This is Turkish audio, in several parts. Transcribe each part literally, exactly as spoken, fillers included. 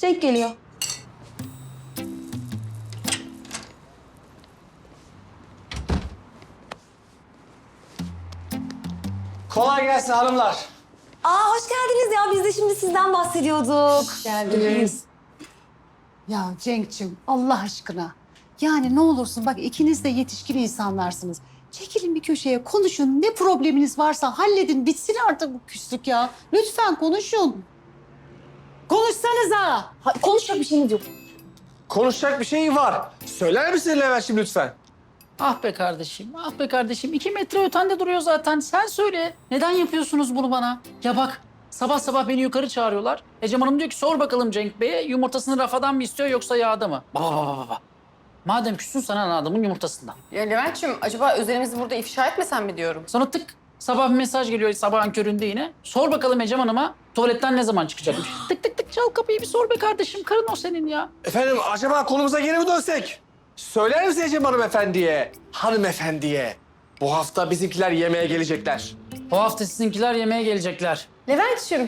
Cenk geliyor. Kolay gelsin hanımlar. Aa hoş geldiniz ya. Biz de şimdi sizden bahsediyorduk. Geldiniz. Ya Cenk'cim Allah aşkına. Yani ne olursun bak ikiniz de yetişkin insanlarsınız. Çekilin bir köşeye konuşun. Ne probleminiz varsa halledin. Bitsin artık bu küslük ya. Lütfen konuşun. Konuşsanıza. Ha, konuşacak bir şeyimiz yok. Konuşacak bir şey var. Söyler misin Levent'ciğim lütfen? Ah be kardeşim, ah be kardeşim. İki metre ötende duruyor zaten. Sen söyle. Neden yapıyorsunuz bunu bana? Ya bak, sabah sabah beni yukarı çağırıyorlar. Ecem Hanım diyor ki sor bakalım Cenk Bey'e yumurtasını rafadan mı istiyor yoksa yağda mı? Baba baba baba. Madem küssün sana adamın yumurtasından. Ya Levent'ciğim acaba özelimizi burada ifşa etmesen mi diyorum? Sonra tık sabah bir mesaj geliyor sabahın köründe yine. Sor bakalım Ecem Hanım'a tuvaletten ne zaman çıkacakmış. Tık tık tık çal kapıyı bir sor be kardeşim. Karın o senin ya. Efendim acaba konumuza geri mi dönsek? Söyler misin Ecem hanımefendiye? Hanımefendiye. Bu hafta bizimkiler yemeğe gelecekler. O hafta sizinkiler yemeğe gelecekler. Levent'ciğim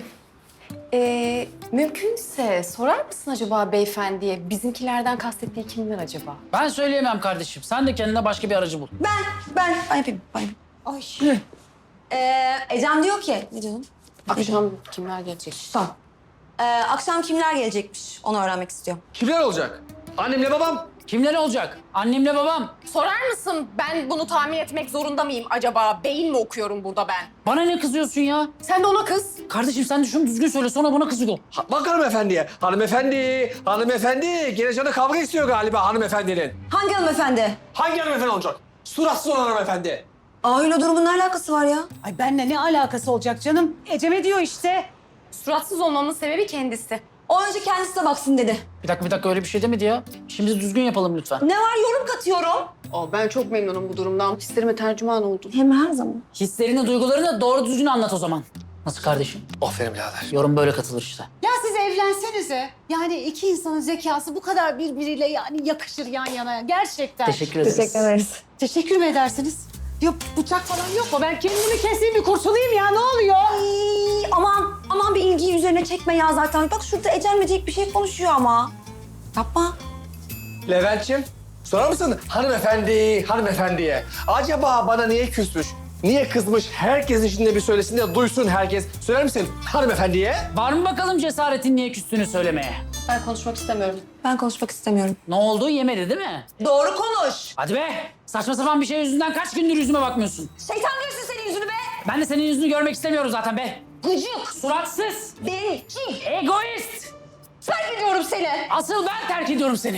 ee, mümkünse sorar mısın acaba beyefendiye bizimkilerden kastettiği kimler acaba? Ben söyleyemem kardeşim. Sen de kendine başka bir aracı bul. Ben, ben, ben yapayım. Ben yapayım. Ay. Ee, Ecem diyor ki, ne diyordun? Akşam kimler gelecek? Tamam. Ee, akşam kimler gelecekmiş? Onu öğrenmek istiyor. Kimler olacak? Annemle babam. Kimler olacak? Annemle babam. Sorar mısın ben bunu tahmin etmek zorunda mıyım acaba? Beyin mi okuyorum burada ben? Bana ne kızıyorsun ya? Sen de ona kız. Kardeşim sen de şunu düzgün söyle sonra buna kızıyor. Ha, bak hanımefendiye. Hanımefendi, hanımefendi. Gene canı kavga istiyor galiba hanımefendinin. Hangi hanımefendi? Hangi hanımefendi olacak? Suratsız olan hanımefendi. Aa öyle durumun ne alakası var ya? Ay benimle ne alakası olacak canım? Ecem'e diyor işte. Suratsız olmamın sebebi kendisi. O önce kendisi de baksın dedi. Bir dakika bir dakika öyle bir şey demedi ya. Şimdi düzgün yapalım lütfen. Ne var yorum katıyorum. Aa, ben çok memnunum bu durumdan. Hislerime tercüman oldun. Hem her zaman. Hislerini, duygularını doğru düzgün anlat o zaman. Nasıl kardeşim? Aferin birader. Yorum böyle katılır işte. Ya siz evlensenize. Yani iki insanın zekası bu kadar birbiriyle yani yakışır yan yana. Gerçekten. Teşekkür ederiz. ederiz. Teşekkür mü edersiniz? Yok bıçak falan yok mu? Ben kendimi keseyim bir kurtulayım ya ne oluyor? Ay, aman, aman bir ilgiyi üzerine çekme ya zaten. Bak şurada Ecem ve Cenk bir şey konuşuyor ama. Yapma. Levent'ciğim, sorar mısın hanımefendi, hanımefendiye? Acaba bana niye küsmüş, niye kızmış? Herkes içinde bir söylesin de duysun herkes. Söyler misin hanımefendiye? Var mı bakalım cesaretin niye küstüğünü söylemeye? Ben konuşmak istemiyorum. Ben konuşmak istemiyorum. Ne oldu? Yemedi değil mi? Doğru konuş. Hadi be! Saçma sapan bir şey yüzünden kaç gündür yüzüme bakmıyorsun? Şeytan görsün senin yüzünü be. Ben de senin yüzünü görmek istemiyorum zaten be. Gıcık. Suratsız, Bencil. egoist. Ben biliyorum seni. Asıl ben terk ediyorum seni.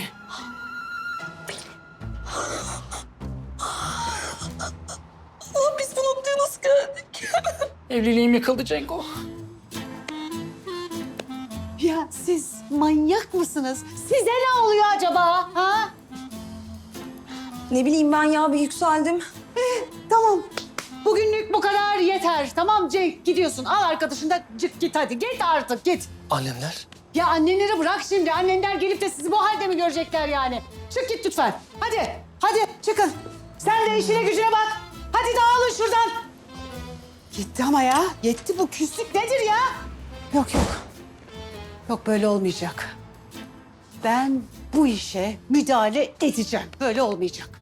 Oğlum biz bu noktaya nasıl geldik? Evliliğim yıkıldı Cenko. Ya siz manyak mısınız? Size ne oluyor acaba? Ha? Ne bileyim ben ya bir yükseldim. Tamam. Bugünlük bu kadar yeter. Tamam Cenk gidiyorsun. Al arkadaşını da git git hadi. Git artık git. Annemler. Ya annenleri bırak şimdi. Annenler gelip de sizi bu halde mi görecekler yani? Çık git lütfen. Hadi. Hadi çıkın. Sen de işine gücüne bak. Hadi dağılın şuradan. Gitti ama ya. Yetti bu küslük nedir ya? Yok yok. Yok böyle olmayacak. Ben bu işe müdahale edeceğim. Böyle olmayacak.